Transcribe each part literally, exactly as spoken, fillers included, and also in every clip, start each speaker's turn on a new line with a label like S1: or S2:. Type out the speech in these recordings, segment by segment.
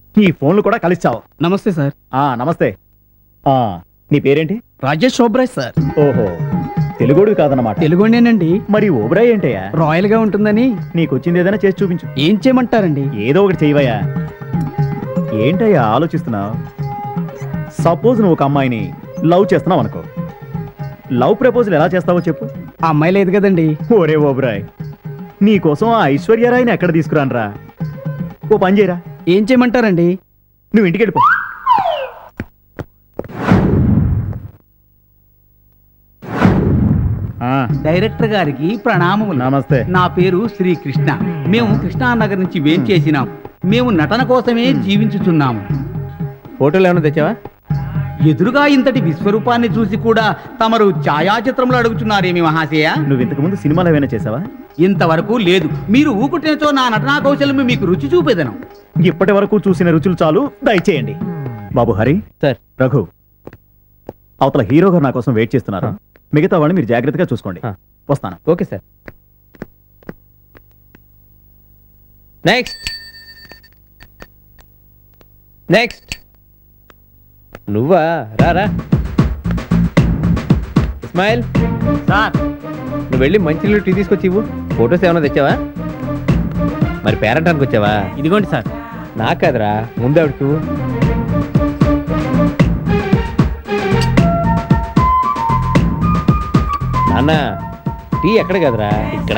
S1: ఈ ఫోన్లు కూడా కలిసావు.
S2: నమస్తే సార్.
S1: ఆ నమస్తే. ఆ నీ పేరేంటి?
S2: రాజేష్ ఓబ్రాయ్ సార్.
S1: ఓహో, తెలుగుడు కాదన్నమాట.
S2: తెలుగునేనండి.
S1: మరి ఓబ్రాయ్ ఏంటయ్యా?
S2: రాయల్ గా ఉంటుందని.
S1: నీకు వచ్చింది ఏదైనా చేసి చూపించు.
S2: ఏం చేయమంటారండి?
S1: ఏదో ఒకటి చేయవయ్యా. ఏంటయ్యా ఆలోచిస్తున్నావు? సపోజ్ నువ్వు ఒక అమ్మాయిని లవ్ చేస్తున్నావు అనుకో, లవ్ ప్రపోజల్ ఎలా చేస్తావో చెప్పు.
S2: ఆ అమ్మాయి లేదు కదండి.
S1: ఓరే ఓబ్రాయ్, నీకోసం ఆ ఐశ్వర్యరాయ్ని ఎక్కడ తీసుకురానరా? ఓ పని చేయరా.
S2: ఏం చేయమంటారండి?
S1: నువ్వు ఇంటికి వెళ్ళిపో.
S3: డైరెక్టర్ గారికి ప్రణామములు.
S1: నమస్తే.
S3: నా పేరు శ్రీకృష్ణ. మేము కృష్ణానగర్ నుంచి వేంచేసినాం. మేము నటన కోసమే జీవించుచున్నాము.
S1: ఫోటోలు ఏమైనా తెచ్చావా?
S3: ఎదురుగా ఇంతటి విశ్వరూపాన్ని చూసి కూడా తమరు ఛాయాచిత్రంలో అడుగుతున్నారేమి మహాశయ?
S1: నువ్వు ఇంతకు ముందు సినిమాలు ఏమైనా చేసావా?
S3: ఇంతవరకు లేదు. మీరు ఊకుటినచో నా నటనా కౌశల్యం మీకు రుచి చూపేదను.
S1: ఇప్పటి వరకు చూసిన రుచులు చాలు, దయచేయండి. బాబు హరి
S4: సార్.
S1: రఘు, అవతల హీరో గారు నా కోసం వెయిట్ చేస్తున్నారు. మిగతా వాడిని మీరు జాగ్రత్తగా చూసుకోండి. వస్తాను.
S4: Okay sir. నెక్స్ట్ నెక్స్ట్ నువ్వా? రారా ఇస్మాయిల్.
S2: సార్.
S4: నువ్వు వెళ్ళి మంచినీళ్ళు టీ తీసుకొచ్చి ఇవ్వు. ఫొటోస్ ఏమైనా తెచ్చావా? మరి పేరెంటానికి వచ్చావా?
S2: ఇదిగోండి సార్.
S4: నాకు కదరా, ముందు ఆవిడకి ఇవ్వు. నాన్న, టీ ఎక్కడ కదరా, ఇక్కడ.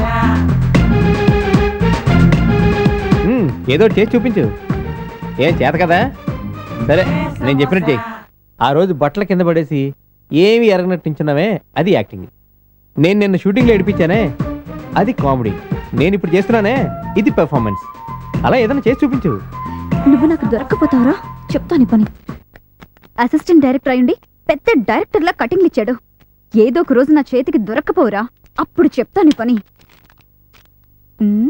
S4: మ్మ్, ఏదో ఒకటి చేసి చూపించు. ఏం చేత కదా? సరే, నేను చెప్పినట్టు చెయ్యి. ఆ రోజు బట్టల కింద పడేసి ఏమి ఎరగనట్టించున్నావే, అది యాక్టింగ్. నేను నిన్న షూటింగ్లో ఏడిపించానే, అది కామెడీ. నేను ఇప్పుడు చేస్తున్నానే, ఇది పెర్ఫార్మెన్స్. అలా ఏదైనా చేసి చూపించు.
S5: నువ్వు నాకు దొరక్కపోతావురా, చెప్తాను పని. అసిస్టెంట్ డైరెక్టర్ అయ్యుండి పెద్ద డైరెక్టర్లా కటింగ్లు ఇచ్చాడు. ఏదో ఒక రోజు నా చేతికి దొరక్కపోరా, అప్పుడు చెప్తాను పని. ఉమ్.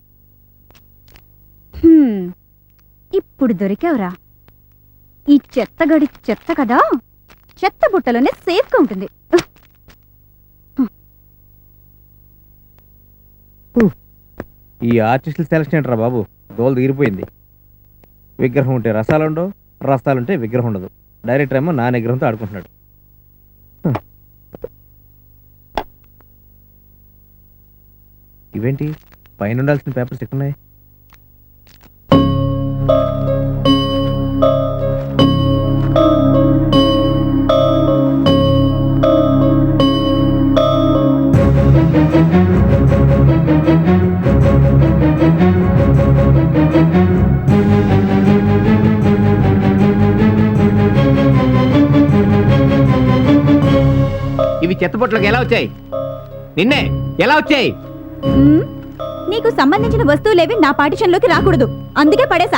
S5: హ్మ్. ఇప్పుడు దొరికావురా. ఈ చెత్తగడి చెత్త కదా, చెత్త బుట్టలోనే సేఫ్గా ఉంటుంది.
S4: ఈ ఆర్టిస్టుల సెలక్షన్ ఏంట్రా బాబు, దోలు తీరిపోయింది. విగ్రహం ఉంటే రసాలు ఉండవు, రసాలుంటే విగ్రహం ఉండదు. డైరెక్టర్ ఏమో నా నిగ్రహంతో ఆడుకుంటున్నాడు. ఇవేంటి పైన ఉండాల్సిన పేపర్స్ ఎక్కున్నాయి? ఇవి చెత్తపొట్లకి ఎలా వచ్చాయి? నిన్నే ఎలా వచ్చాయి?
S5: ఉమ్. నీకు సంబంధించిన వస్తువులేవి నా పార్టిషన్లోకి రాకూడదు, అందుకే పడేసా.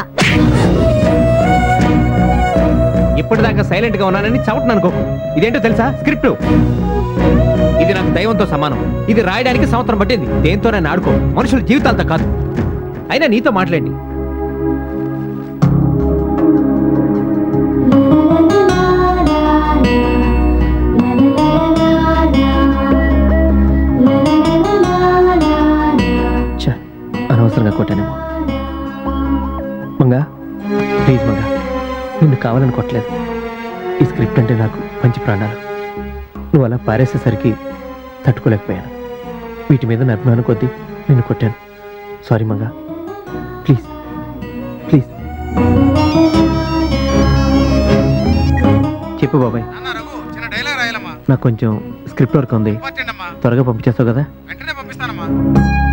S4: ఇప్పటిదాకా సైలెంట్ గా ఉన్నానని చవటను అనుకోకు. ఇదేంటో తెలుసా? స్క్రిప్ట్. ఇది నాకు దైవంతో సమానం. ఇది రాయడానికి సంవత్సరం పట్టింది. దేంతో నేను ఆడుకో, మనుషుల జీవితాలతో కాదు. అయినా నీతో మాట్లాడి అనవసరంగా కొట్టానేమో. మంగా, ప్లీజ్ మంగా, నిన్ను కావాలని కొట్టలేదు. ఈ స్క్రిప్ట్ అంటే నాకు మంచి ప్రాణాలు. నువ్వు అలా పారేసేసరికి తట్టుకోలేకపోయాను. వీటి మీద నా అభిమానం కొద్దీ నిన్ను కొట్టాను. సారీ మంగా, ప్లీజ్ ప్లీజ్. చెప్పు బాబాయ్. నాకు కొంచెం స్క్రిప్ట్ వర్క్ ఉంది, త్వరగా పంపించేస్తావు కదా?
S6: వెంటనే పంపిస్తానమ్మా.